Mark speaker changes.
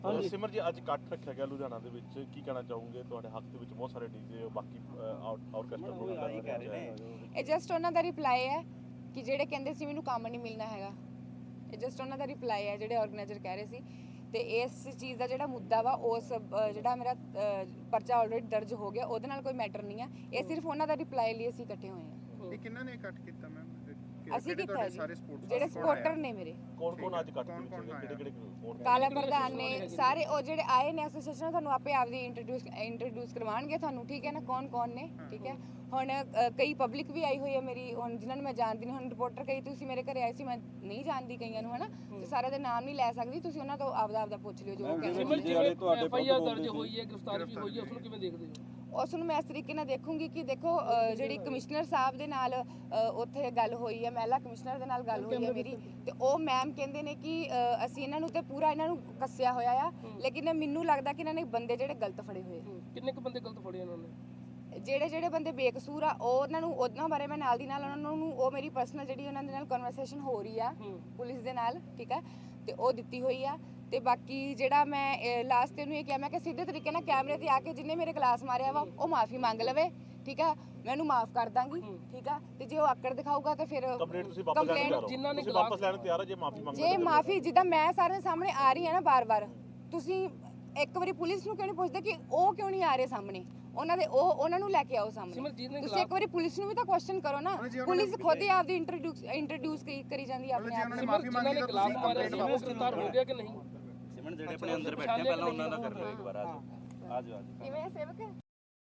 Speaker 1: ਸਿਮਰ ਜੀ ਅੱਜ ਇਕੱਠ ਰੱਖਿਆ ਗਿਆ ਲੁਧਿਆਣਾ ਦੇ ਵਿੱਚ, ਕੀ ਕਹਿਣਾ ਚਾਹੋਗੇ? ਤੁਹਾਡੇ ਹੱਕ ਦੇ ਵਿੱਚ ਬਹੁਤ ਸਾਰੇ ਡੀਜੇ ਬਾਕੀ ਆਰਕੈਸਟਰਾ ਪ੍ਰੋਗਰਾਮ
Speaker 2: ਇਹ ਜਸਟ ਉਹਨਾਂ ਦਾ ਰਿਪਲਾਈ ਹੈ ਕਿ ਜਿਹੜੇ ਕਹਿੰਦੇ ਸੀ ਮੈਨੂੰ ਕੰਮ ਨਹੀਂ ਮਿਲਣਾ ਹੈਗਾ, ਇਹ ਜਸਟ ਉਹਨਾਂ ਦਾ ਰਿਪਲਾਈ ਹੈ ਜਿਹੜੇ ਆਰਗੇਨਾਈਜ਼ਰ ਕਹਿ ਰਹੇ ਸੀ। ਤੇ ਇਸ ਚੀਜ਼ ਦਾ ਜਿਹੜਾ ਮੁੱਦਾ ਵਾ ਉਸ ਜਿਹੜਾ ਮੇਰਾ ਪਰਚਾ ਆਲਰੇਡੀ ਦਰਜ ਹੋ ਗਿਆ, ਉਹਦੇ ਨਾਲ ਕੋਈ ਮੈਟਰ ਨਹੀਂ ਆ। ਇਹ ਸਿਰਫ ਉਹਨਾਂ ਦਾ ਰਿਪਲਾਈ ਲਈ ਅਸੀਂ ਇਕੱਠੇ ਹੋਏ ਹਾਂ।
Speaker 3: ਇਹ ਕਿੰਨਾਂ ਨੇ ਇਕੱਠ ਕੀਤਾ ਮੈਮ?
Speaker 2: ਅਸੀਂ ਕੀਤਾ ਜੀ, ਜਿਹੜੇ ਸਪੋਰਟਰ ਨੇ ਮੇਰੇ।
Speaker 1: ਕੌਣ ਅੱਜ ਇਕੱਠ ਵਿੱਚ ਕਿਹੜੇ
Speaker 2: ਕਾਲਾ ਪ੍ਰਧਾਨ ਨੇ ਸਾਰੇ, ਉਹ ਜਿਹੜੇ ਆਏ ਨੇ ਐਸੋਸੀਏਸ਼ਨ, ਤੁਹਾਨੂੰ ਆਪੇ ਆਪਦੀ ਇੰਟਰੋਡਿਊਸ ਕਰਵਾਉਣਗੇ ਤੁਹਾਨੂੰ, ਠੀਕ ਹੈ ਨਾ, ਕੌਣ ਨੇ, ਠੀਕ ਹੈ। ਹੁਣ ਕਈ ਪਬਲਿਕ ਵੀ ਆਈ ਹੋਈ ਹੈ ਮੇਰੀ, ਹੁਣ ਜਿਨ੍ਹਾਂ ਨੂੰ ਮੈਂ ਜਾਣਦੀ ਨਹੀਂ। ਹੁਣ ਰਿਪੋਰਟਰ ਕਈ ਤੁਸੀਂ ਮੇਰੇ ਘਰੇ ਆਏ ਸੀ, ਮੈਂ ਨਹੀਂ ਜਾਣਦੀ ਕਈਆਂ ਨੂੰ, ਹੈ ਨਾ, ਤੇ ਸਾਰਿਆਂ ਦੇ ਨਾਮ ਨਹੀਂ ਲੈ ਸਕਦੀ, ਤੁਸੀਂ ਉਹਨਾਂ ਤੋਂ ਆਪਦਾ ਪੁੱਛ ਲਿਓ ਜੋ ਕਹਿੰਦੇ।
Speaker 4: ਐਫਆਈਆਰ ਦਰਜ ਹੋਈ ਹੈ, ਗ੍ਰਿਫਤਾਰੀ ਵੀ ਹੋਈ ਹੈ, ਉਸ ਨੂੰ ਕਿਵੇਂ ਦੇਖਦੇ ਹੋ?
Speaker 2: ਉਸ ਨੂੰ ਮੈਂ ਇਸ ਤਰੀਕੇ ਨਾਲ ਦੇਖੂੰਗੀ ਕਿ ਦੇਖੋ ਜਿਹੜੀ ਕਮਿਸ਼ਨਰ ਸਾਹਿਬ ਦੇ ਨਾਲ ਉੱਥੇ ਗੱਲ ਹੋਈ ਹੈ, ਮਹਿਲਾ ਕਮਿਸ਼ਨਰ ਦੇ ਨਾਲ ਗੱਲ ਹੋਈ ਹੈ ਮੇਰੀ, ਤੇ ਉਹ ਮੈਮ ਕਹਿੰਦੇ ਨੇ ਕਿ ਅਸੀਂ ਇਹਨਾਂ ਨੂੰ ਤੇ ਪੂਰਾ ਇਹਨਾਂ ਨੂੰ ਕੱਸਿਆ ਹੋਇਆ ਆ, ਲੇਕਿਨ ਮੈਨੂੰ ਲੱਗਦਾ ਕਿ ਇਹਨਾਂ ਨੇ ਬੰਦੇ ਜਿਹੜੇ ਗਲਤ ਫੜੇ ਹੋਏ।
Speaker 4: ਕਿੰਨੇ ਕੁ ਬੰਦੇ ਗਲਤ ਫੜੇ ਇਹਨਾਂ ਨੇ?
Speaker 2: ਜਿਹੜੇ ਬੰਦੇ ਬੇਕਸੂਰ ਆ ਉਹਨਾਂ ਨੂੰ, ਉਹਨਾਂ ਬਾਰੇ ਮੈਂ ਨਾਲ ਦੀ ਨਾਲ ਉਹਨਾਂ ਨੂੰ, ਉਹ ਮੇਰੀ ਪਰਸਨਲ ਜਿਹੜੀ ਉਹਨਾਂ ਦੇ ਨਾਲ ਕਨਵਰਸੇਸ਼ਨ ਹੋ ਰਹੀ ਆ ਪੁਲਿਸ ਦੇ ਨਾਲ, ਠੀਕ ਹੈ, ਤੇ ਉਹ ਦਿੱਤੀ ਹੋਈ ਆ। ਤੇ ਬਾਕੀ ਜਿਹੜਾ ਮੈਂ ਲਾਸਟ ਤੇ ਨੂੰ ਇਹ ਕਿਹਾ, ਮੈਂ ਕਿ ਸਿੱਧੇ ਤਰੀਕੇ ਨਾਲ ਕੈਮਰੇ ਤੇ ਆ ਕੇ ਜਿੰਨੇ ਮੇਰੇ ਕਲਾਸ ਮਾਰਿਆ ਵਾ ਉਹ ਮਾਫੀ ਮੰਗ ਲਵੇ, ਠੀਕ ਆ, ਮੈਂ ਉਹਨੂੰ ਮਾਫ ਕਰ ਦਾਂਗੀ, ਠੀਕ ਆ। ਤੇ ਜੇ ਉਹ ਆਕੜ ਦਿਖਾਊਗਾ ਤੇ ਫਿਰ
Speaker 1: ਕੰਪਲੇਂਟ ਜਿਨ੍ਹਾਂ ਨੇ ਵਾਪਸ ਲੈਣ ਤਿਆਰ ਆ, ਜੇ ਮਾਫੀ ਮੰਗਦੇ,
Speaker 2: ਜੇ ਮਾਫੀ ਜਿੱਦਾਂ ਮੈਂ ਸਾਰਿਆਂ ਦੇ ਸਾਹਮਣੇ ਆ ਰਹੀ ਹਾਂ ਨਾ ਬਾਰ-ਬਾਰ, ਤੁਸੀਂ ਇੱਕ ਵਾਰੀ ਪੁਲਿਸ ਨੂੰ ਕਿਉਂ ਨਹੀਂ ਪੁੱਛਦੇ ਕਿ ਉਹ ਕਿਉਂ ਨਹੀਂ ਆ ਰਹੇ ਸਾਹਮਣੇ? ਉਹਨਾਂ ਨੂੰ ਲੈ ਕੇ ਆਓ ਸਾਹਮਣੇ। ਤੁਸੀਂ ਇੱਕ ਵਾਰੀ ਪੁਲਿਸ ਨੂੰ ਵੀ ਤਾਂ ਕੁਐਸਚਨ ਕਰੋ ਨਾ। ਪੁਲਿਸ ਖੁਦ ਹੀ ਆਪਦੀ ਇੰਟਰੋਡਿਊਸ ਕਰੀ ਜਾਂਦੀ ਆਪਣੇ ਆਪ ਨੂੰ।
Speaker 4: ਜਿਨ੍ਹਾਂ ਨੇ ਗਲਾਸ ਮਾਰਿਆ ਸੀ ਉਹ ਗ੍ਰਿਫਤਾਰ ਹੋ ਗਿਆ ਕਿ ਨਹੀਂ?
Speaker 5: ਸਿਮਰਨ ਜਿਹੜੇ ਆਪਣੇ ਅੰਦਰ ਬੈਠੇ ਪਹਿਲਾਂ ਉਹਨਾਂ ਦਾ ਕਰ ਲਓ ਇੱਕ ਵਾਰ। ਆਜੋ
Speaker 2: ਕਿਵੇਂ ਸੇਵਕ